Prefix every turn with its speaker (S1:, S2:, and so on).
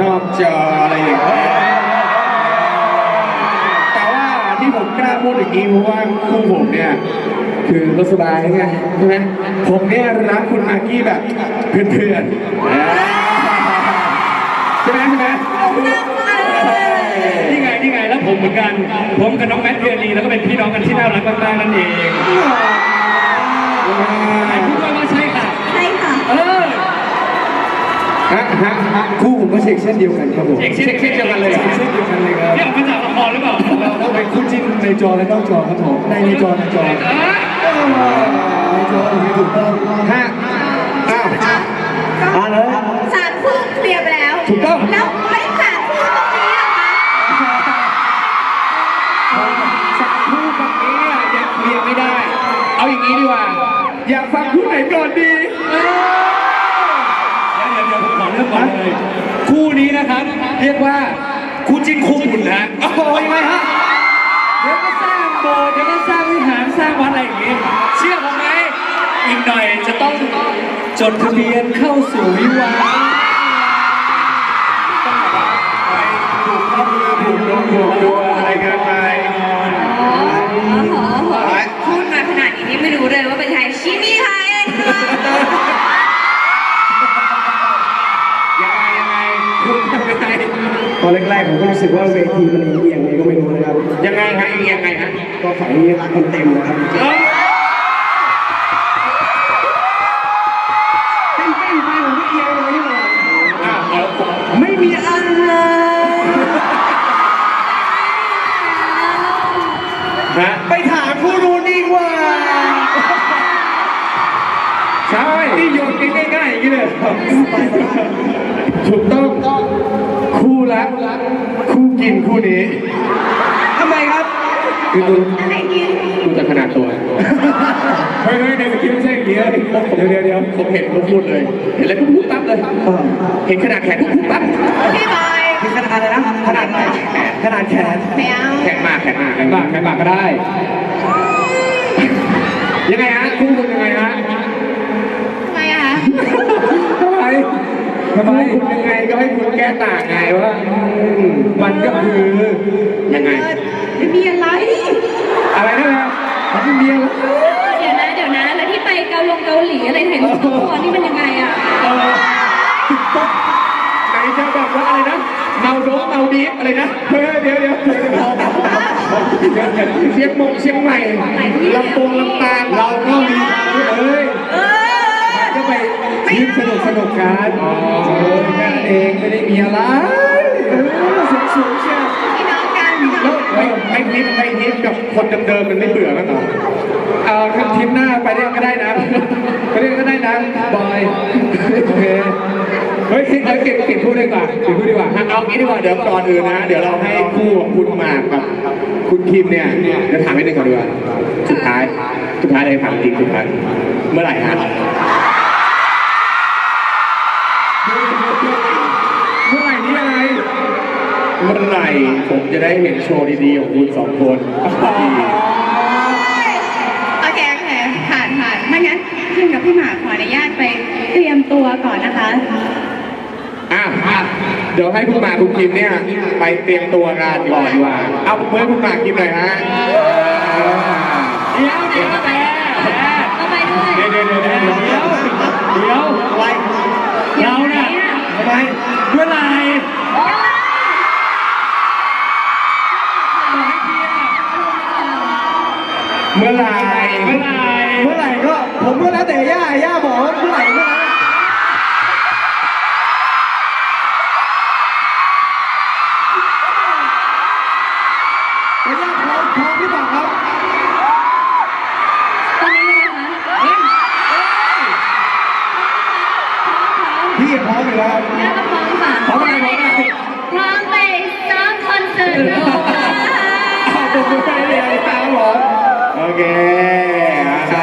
S1: นอกจออะไรอย่างเงี้ยแต่ว่าที่ผมกล้าพูดอย่างนี้เพราะว่าคู่ผมเนี่ยคือรถสบายไงใช่ไหมผมเนี่ยรักคุณมากกี้แบบเพื่อนๆใช่ไหม
S2: นี่ไงแล้วผมเหมือนกันผมกับน้องแมทเทียรีแล้วก็เป็นพี่น้องกันที่น่ารักมากๆนั่นเองพูดว่าใช่ค่ะ
S3: ใช่ค่ะ
S1: คู่ผมก็เช็คเช่นเดียวกันครับผม
S2: เช็คเดียวกันเลย
S1: เช่นเดียวกันเลยครับ
S2: นี่ออกมาจากละครหรือเปล่า
S1: เราเป็นคู่จิ้นในจอและนอกจอครับผมในจอในจอถูกต้องเลย
S3: สารคู่เคลียร์ไปแล้ว
S1: ถูกต้อง
S3: แล้วไม่สารคู่ตรงนี้หรอ
S1: คะสารคู่ตรงนี้ยังเคลียร์ไม่ได้เอาอย่างนี้ดีกว่าอยากฟังคู่ไหนก่อนดี
S2: เดี๋ยวผมขอเริ่มก่อนเลยคู่นี้นะครับเรียกว่าคู่จิ้นคู่บุญนะ
S1: โอ้โหยังไงฮะ
S2: เดี๋ยวก็สร้างโบสถ์เดี๋ยวก็สร้างวิหารสร้างวัดอะไรอย่างงี้เชื่อผมไหมอีกหน่อยจะต้องจดทะเบียนเข้าสู่วิวาห์
S1: ถูกดูอะไรกันไป
S3: พูดมาขนาดนี้ไม่รู้เลยว่าเป็นใครชิมิไทย
S1: ยังไงคุณยังไง
S4: ตอนแรกๆผมก็รู้สึกว่าเวทีมันเอียงไงก็ไม่รู้นะครับ
S1: ยังไงฮะยังไงฮะ
S4: ก็ฝั่งนี้คนเต็มนะครับเต้นไปผมก็เอียงเลยนี่หว่าไม่มีอะไรไปถามผู้รู้ดีกว่า
S1: ใช่
S4: ที่โยนง่ายๆอย่างนี้เลย
S1: ถูกต้องคู่รักคู่กินคู่นี้
S4: ทำไมครับ
S1: คือดูจากขนาดตัวเฮ้ยในสกิลไม่ใช่อย่างนี้เดี๋ยวผมเห็นเขาพูดเลยเห็นแล้วก็พูดปั๊บเลยเห็นขนาดแขนพูดปั๊บ
S3: พี่บอย
S4: เห็นขนาดอะไรนะขนาดไหนขนาดแขน
S1: แขนมากก็ได้ยังไงฮะคู่คุณยังไงฮะ
S3: ทำไมอะคะ
S1: ทำไมคุณยังไงก็ให้คุณแก้ต่างไงว่ามันก็คือยังไง
S3: ไม่มีอะไร
S1: นะมันไม่มีอะไร
S3: เดี๋ยวนะแล้วที่ไปเกาหลีอะไรถ่ายรูปตัวนี่มันยังไงอะ
S1: ไหนจะแบบว่าอะไรนะเมาดีฟอะไรนะเดี๋ยวเชียงใหม่ลำปางเราก็มีก็ไปยิ้มสนุกกันแค่เองไม่ได้มีอะไรสูงเชียว
S3: พี่น้องกัน
S1: แล้วไปทิปกับคนเดิมมันไม่เบื่อมั้งเหรอเอาทีมหน้าไปเรียกก็ได้นะบอยโอเคเฮ้ยเก็บพูดดีกว่าเอางี้ดีกว่าเดี๋ยวก่อนอื่นนะเดี๋ยวเราให้คู่ของคุณหมากกับคุณคิมเนี่ยเดี๋ยวถามให้ได้ก่อนดีกว่าสุดท้ายเลยถามจริงสุดท้ายเมื่อไหร่ฮะเมื่อไหร่นี่อะไรเมื่อไหร่ผมจะได้เห็นโชว์ดีๆของคุณสองคน
S3: โอเคผ่านไม่งั้นคิมกับพี่หมากขออนุญาตไปเตรียมตัวก่อนนะคะ
S1: เดี๋ยวให้คุณหมากคุณคิมเนี่ยไปเตรียมตัวงานก่อนดีกว่าเอาเมื่อคุณหมากคิมหน่อยฮะ
S2: เดี๋ยว
S3: เอาไปด้วย
S2: เดี๋ยว
S4: อะไร
S2: เราเนี่ย
S4: ทำไม
S2: เมื่อไหร่
S4: ก็ผมก็แล้วแต่ย่าบอกว่าเมื่อไหร่ย่าพร้อมหรือเปล่าครับ
S3: ตอนนี้เลยนะคะ
S4: พี่พร้อมอยู่แล้ว
S3: ย่าก็พร้อมค่ะพร้อมไปซ้อมคอนเสิร์ต
S1: โอเค